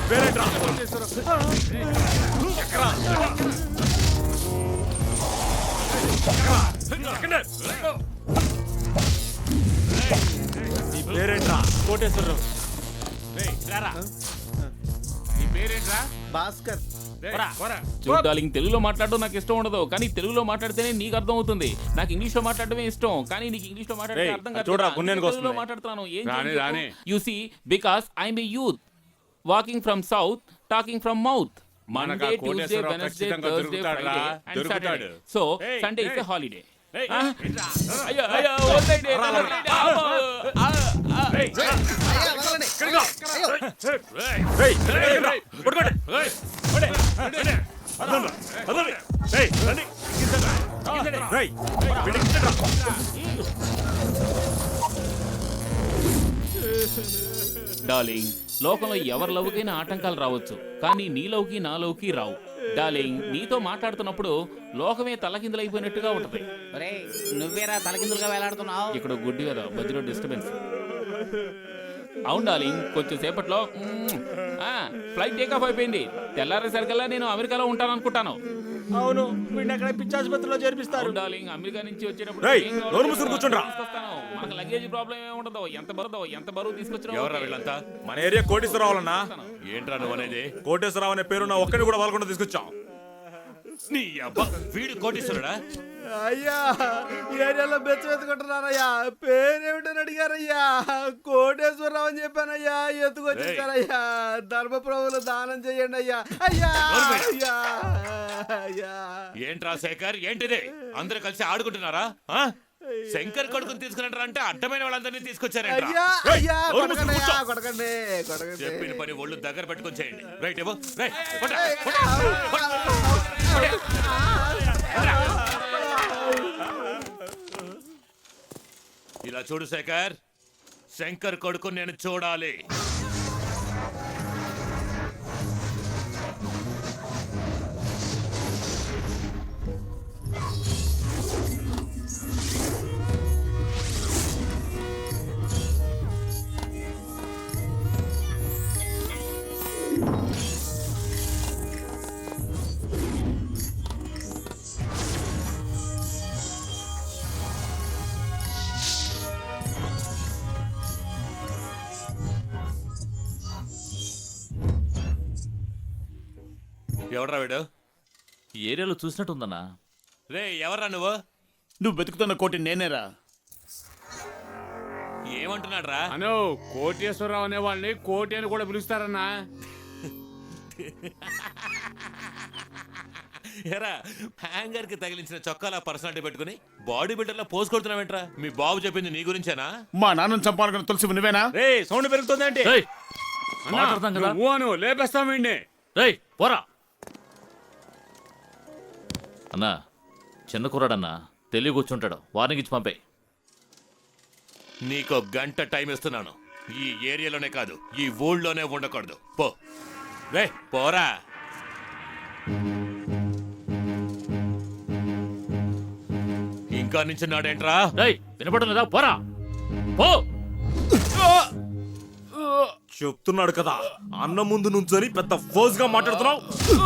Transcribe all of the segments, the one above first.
పేరేంట్రా? నీ పేరేంట్రా? కోటేశ్వరరావు. నీ పేరేంట్రా? భాస్కర్. చూడాలింగ్ తెలుగులో మాట్లాడడం నాకు ఇష్టం ఉండదు, కానీ తెలుగులో మాట్లాడితేనే నీకు అర్థం అవుతుంది. నాకు ఇంగ్లీష్ లో మాట్లాడటమే ఇష్టం, కానీ నీకు ఇంగ్లీష్ లో మాట్లాడితే అర్థం కాదు. చూడరా, గున్నేనుకు తెలుగులో వస్తుంది. మాట్లాడుతున్నాను. You see, because I'm a youth walking from south, talking from mouth. Monday, Tuesday, Wednesday, Thursday, Friday and Saturday. So Sunday is a holiday. అయ్యో అయ్యో వదిలేయండి, వదిలేయండి. డార్లింగ్, లోకంలో ఎవరి లవ్కైనా ఆటంకాలు రావచ్చు, కానీ నీ లవ్కి నా లవ్కి రావు. డార్లింగ్, నీతో మాట్లాడుతున్నప్పుడు లోకమే తలకిందులైపోయినట్టుగా ఉంటది. నువ్వేరా తలకిందులుగా వేలాడుతున్నావు? ఇక్కడ గుడ్డి కదా, మధ్యలో డిస్టర్బెన్స్. అవును డార్లింగ్, కొంచెం సేపట్లో ఫ్లైట్ టేక్ ఆఫ్ అయిపోయింది. తెల్లారేసరికల్లా నేను అమెరికాలో ఉంటాను అనుకుంటాను. అవును, వీడిని అక్కడ పిచ్చాసుపత్రిలో చేర్పిస్తారు. డార్లింగ్, అమెరికా నుంచి వచ్చేటప్పుడు రేయ్, నోరు మూసుకొని కూర్చోండ్రా. మనకు లగేజ్ ప్రాబ్లం ఏమి ఉండదు. ఎంత బరువు తీసుకొచ్చినా ఎవరా వీళ్ళంతా? మన ఏరియా కోటేశ్వరరావు అన్నా. ఏంట్రా నువ్వు అనేది? కోటేశ్వరరావు అనే పేరు నా ఒక్కడిని కూడా వాళ్ళకుండా తీసుకొచ్చాం. నీ అబ్బా, వీడు కోటేశ్వరుడా? అయ్యా, ఈ ఏరియాలో బెచ్చబెత్తుకుంటున్నారయ్యా. పేరేమిటని అడిగారయ్యా. కోటేశ్వరరావు అని చెప్పానయ్యా. ఎత్తుకొచ్చేసారయ్యా. ధర్మప్రభులు దానం చేయండి అయ్యా. అయ్యా అయ్యా అయ్యా. ఏంట్రా శేఖర్, ఏంటిది? అందరూ కలిసి ఆడుకుంటున్నారా? శంకర్ కొడుకుని తీసుకున్నారా? అంటే అడ్డమైన వాళ్ళందరినీ తీసుకొచ్చారంట. అయ్యా అయ్యా, కొడకండి అయ్యా, కొడకండి కొడకండి. చెప్పిన పని ఒళ్ళు దగ్గర పెట్టుకొని చేయండి. రైట్ ఇవ్వు. ఇలా చూడు శేఖర్, శంకర్ కొడుకు నేను చూడాలి. ఎవడ్రా వీడు? ఈ ఏరియాలో చూసినట్టుందన్నా. రే, ఎవర్రా నువ్వు? నువ్వు బతుకుతున్న కోటి నేనేరా. ఏమంటున్నాడు రా? అను, కోటేశ్వరరావు అనే వాళ్ళని కోటి అని కూడా పిలుస్తారన్నా. ఎరా, హ్యాంగర్ కి తగిలించిన చొక్కాల పర్సనాలిటీ పెట్టుకుని బాడీ బిల్డర్ లా పోజ్ కొడుతున్నావేంట్రా? మీ బాబు చెప్పింది నీ గురించేనా? మా నాన్నని చంపాలనుకున్న తులసి నువ్వేనా? రే, సౌండ్ పెరుగుతుందంటే మాట్లాడతాం కదా. నువ్వు లేపేస్తామండి. రేయ్ పోరా అన్నా. చిన్న కుర్రాడన్నా, తెలివి కూర్చుంటాడు. వార్నింగ్ ఇచ్చి పంపే. నీకో గంట టైం ఇస్తున్నాను. ఈ ఏరియాలోనే కాదు, ఈ ఊళ్ళోనే ఉండకూడదు. పో రే, పోరా. ఇంకా నించున్నాడేంట్రా? రేయ్ వినపడడం లేదా? పోరా పో. చెప్తున్నాడు కదా, అన్న ముందు నుంచొని పెద్ద ఫోర్స్ గా మాట్లాడుతున్నావు.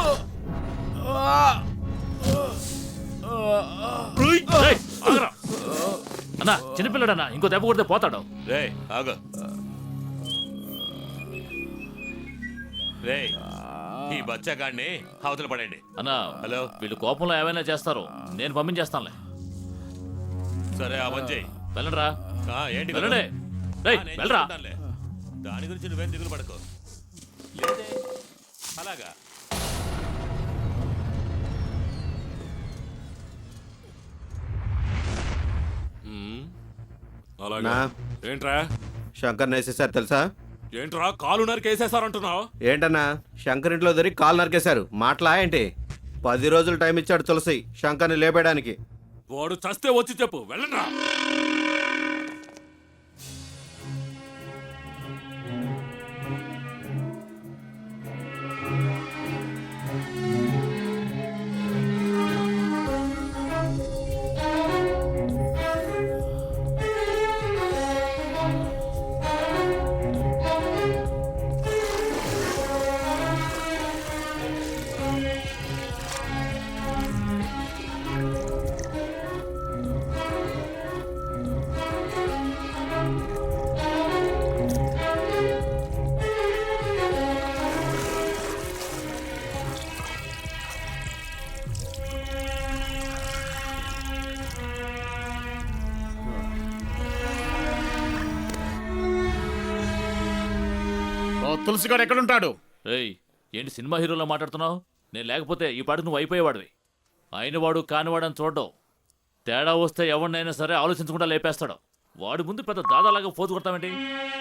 రేయ్, ఆగరా. అన్నా, చిన్నపిల్లడన్నా, ఇంకో దెబ్బ కొడితే పోతాడు. రే ఆగు. రే, ఈ బచ్చగాడిని అవతల పడండి. అన్నా, హలో, వీళ్ళు కోపంలో ఏమైనా చేస్తారు. నేను పంపించేస్తానులే. సరే అవంజయ్, వెళ్ళండిరా. ఏంటి వెళ్ళండి. రేయ్ వెళ్ళరా. దాని గురించి నువ్వేం దిగులు పడకు. లేదే అలాగా. అలాగా ఏంట్రా? శంకర్ వేసేసారు తెలుసా? ఏంట్రా కాలు నరికేసేసారంటున్నావు? ఏంటన్నా, శంకర్ ఇంట్లో దొరికి కాలు నరికేశారు. మాటలా ఏంటి? 10 రోజులు టైం ఇచ్చాడు తులసి శంకర్ని లేపేయడానికి. వాడు చస్తే వచ్చి చెప్పు. వెళ్ళండ్రా. తులసిగాడు ఎక్కడుంటాడు? రేయ్ ఏంటి సినిమా హీరోలా మాట్లాడుతున్నావు? నేను లేకపోతే ఈ పాటికి నువ్వు అయిపోయేవాడివి. అయినవాడు కానివాడని చూడడం. తేడా వస్తే ఎవరినైనా సరే ఆలోచించకుండా లేపేస్తాడు. వాడి ముందు పెద్ద దాదాలాగా పోతు కొడతామేంటి?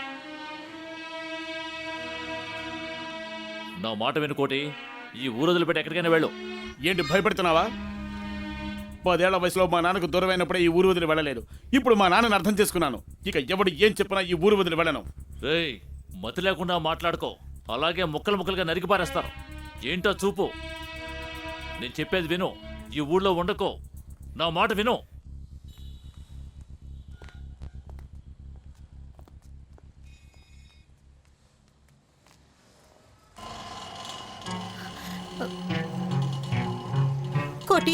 నా మాట వినుకోటి, ఈ ఊరు వదిలిపెట్టి ఎక్కడికైనా వెళ్ళు. ఏంటి భయపడుతున్నావా? 10 ఏళ్ల వయసులో మా నాన్నకు దూరమైనప్పుడే ఈ ఊరు వదిలి వెళ్ళలేదు. ఇప్పుడు మా నాన్నని అర్థం చేసుకున్నాను. ఇక ఎవడు ఏం చెప్పినా ఈ ఊరు వదిలి వెళ్ళను. రేయ్ మతి లేకుండా మాట్లాడుకో, అలాగే ముక్కలు ముక్కలుగా నరికి పారేస్తారు. ఏంటో చూపు. నేను చెప్పేది విను. ఈ ఊళ్ళో ఉండకో. నా మాట విను. కోటి,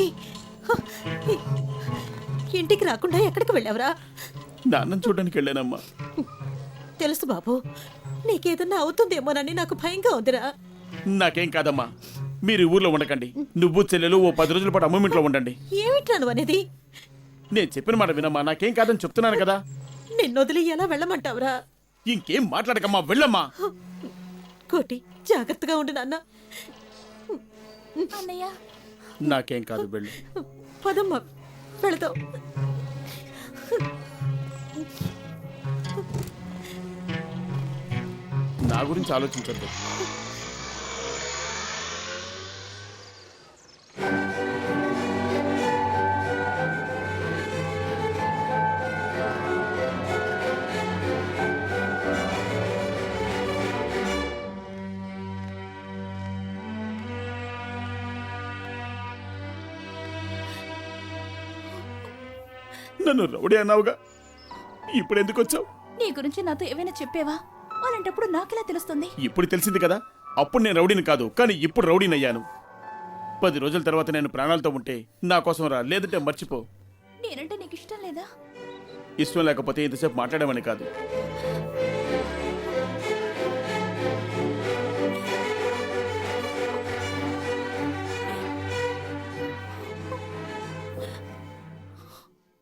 ఇంటికి రాకుండా ఎక్కడికి వెళ్ళావురా? నాన్నని చూడడానికి వెళ్ళానమ్మా. తెలుసు బాబు, నీకేదన్నా అవుతుందేమోనని నాకు భయంగా ఉందిరా. నాకేం కాదమ్మా. మీరు ఈ ఊర్లో ఉండకండి. నువ్వు చెల్లెలు ఓ 10 రోజుల పాటు అమ్మమ్మ ఇంట్లో ఉండండి. ఏమిట్రా నువ్వు అనేది? నేను చెప్పిన మాట వినమ్మా. నాకేం కాదని చెప్తున్నాను కదా. నిన్నొదిలి ఎలా వెళ్ళమంటావురా? ఇంకేం మాట్లాడకమ్మా, వెళ్ళమ్మా. కోటి, జాగ్రత్తగా ఉండు నాన్న. అన్నయ్య నాకేం కాదు, వెళ్ళు. పదమ్మా, వెళదాం. నా గురించి ఆలోచించద్దు. నన్ను రౌడీ అన్నావుగా, ఇప్పుడు ఎందుకు వచ్చావు? నీ గురించి నాతో ఏమైనా చెప్పేవా? అలాంటప్పుడు నాకెలా తెలుస్తుంది? ఇప్పుడు తెలిసింది కదా. అప్పుడు నేను రౌడీని కాదు, కానీ ఇప్పుడు రౌడీని అయ్యాను. 10 రోజుల తర్వాత నేను ప్రాణాలతో ఉంటే నా కోసం రా, లేదంటే మర్చిపో. నేనంటే నీకు ఇష్టం లేదా? ఇష్టం లేకపోతే ఇంతసేపు మాట్లాడమని కాదు.